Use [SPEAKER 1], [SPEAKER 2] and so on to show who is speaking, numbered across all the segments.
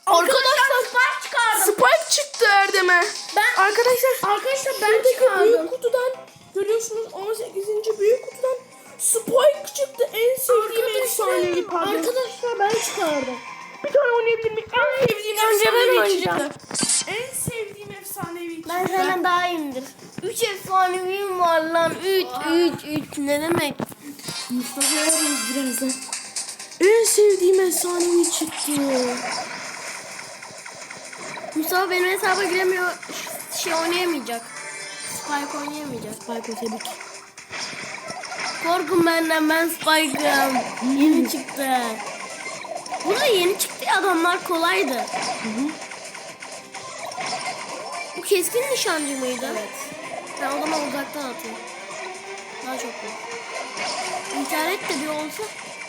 [SPEAKER 1] Arkadaşlar
[SPEAKER 2] Spike çıkardım.
[SPEAKER 1] Spike çıktı Erdem'e. Arkadaşlar
[SPEAKER 2] ben çıkardım.
[SPEAKER 1] büyük kutudan görüyorsunuz 18. büyük kutudan Spike çıktı. En sevdiğim efsanevi pardon.
[SPEAKER 2] Arkadaşlar ben çıkardım.
[SPEAKER 1] Bir tane oynayabilir miyim? En sevdiğim
[SPEAKER 2] Önce ben
[SPEAKER 1] efsanevi
[SPEAKER 2] oynayacağım.
[SPEAKER 1] çıktı. En sevdiğim efsanevi çıktı.
[SPEAKER 2] Ben senden daha iyiyimdir. 3 efsaneviyim var lan. 3 ne demek?
[SPEAKER 1] Mustafa'ya arıyoruz birazdan. En sevdiğim efsanevi çıktı.
[SPEAKER 2] Mustafa benim hesaba giremiyor. Şey oynayamayacak. Spike oynayamayacak.
[SPEAKER 1] Spike tebrik.
[SPEAKER 2] Korkun benden, ben Spike'ım. Yeni çıktı. Burada yeni çıktı ya, adamlar kolaydı. Bu keskin nişancı mıydı? Evet. Ben o zaman uzaktan atayım. Daha çok bu. İnternet de bir olsa.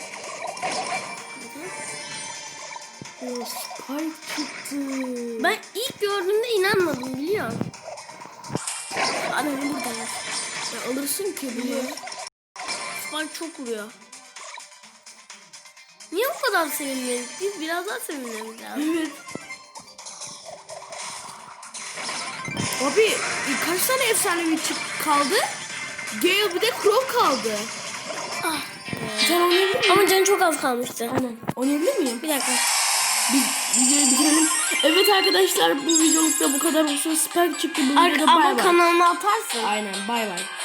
[SPEAKER 1] O Spike çıktı.
[SPEAKER 2] Ben ilk gördüğümde inanmadım, biliyor musun? Adam burada ya.
[SPEAKER 1] Ya alırsın ki bunu.
[SPEAKER 2] Spike çok vuruyor. Niye bu kadar sevinmedik? Biz biraz daha sevinmemiz lazım.
[SPEAKER 1] Evet. Abi kaç tane efsanevi kaldı? Gale bir de Crow kaldı.
[SPEAKER 2] Ah.
[SPEAKER 1] Sen oynayabilir miyim?
[SPEAKER 2] Ama canı çok az kalmıştı.
[SPEAKER 1] Aynen. Oynayabilir miyim?
[SPEAKER 2] Bir dakika.
[SPEAKER 1] Videoyu bitirelim. Evet arkadaşlar bu videolukta bu kadar olsun. Spike çıktı bu videoda bay
[SPEAKER 2] Ama
[SPEAKER 1] bay.
[SPEAKER 2] kanalıma atarsın.
[SPEAKER 1] Aynen bay bay.